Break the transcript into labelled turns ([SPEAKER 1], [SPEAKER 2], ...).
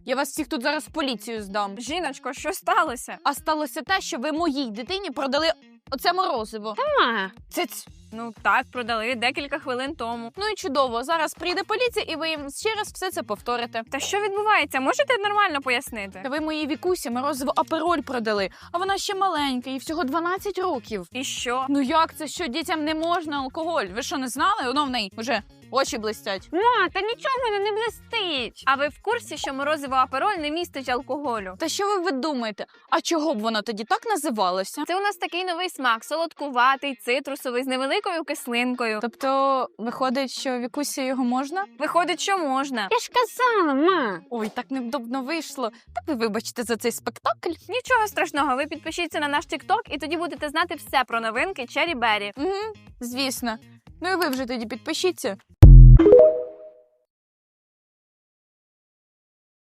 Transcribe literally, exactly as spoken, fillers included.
[SPEAKER 1] Я вас всіх тут зараз в поліцію здам.
[SPEAKER 2] Жіночко, що сталося?
[SPEAKER 1] А сталося те, що ви моїй дитині продали оце морозиво.
[SPEAKER 2] Ма.
[SPEAKER 1] Циць.
[SPEAKER 2] Ну так, продали декілька хвилин тому.
[SPEAKER 1] Ну і чудово, зараз прийде поліція і ви їм ще раз все це повторите.
[SPEAKER 2] Та що відбувається? Можете нормально пояснити?
[SPEAKER 1] Та ви моїй Вікусі морозиво апероль продали, а вона ще маленька, їй всього дванадцять років.
[SPEAKER 2] І що?
[SPEAKER 1] Ну як це, що дітям не можна алкоголь? Ви що, не знали? Воно в неї вже очі блистять.
[SPEAKER 2] Ма, та нічого в мене не блистить. А ви в курсі, що морозиво апероль не містить алкоголю?
[SPEAKER 1] Та що ви, ви думаєте? А чого б воно тоді так називалося?
[SPEAKER 2] Це у нас такий новий смак, солодкуватий, цитрусовий, з невеликою кислинкою.
[SPEAKER 1] Тобто, виходить, що Вікусі його можна?
[SPEAKER 2] Виходить, що можна. Я ж казала, ма.
[SPEAKER 1] Ой, так невдобно вийшло. Так ви вибачте за цей спектакль.
[SPEAKER 2] Нічого страшного, ви підпишіться на наш тік-ток і тоді будете знати все про новинки Чері Бері.
[SPEAKER 1] Угу, звісно. Ну і ви вже тоді підпишіться.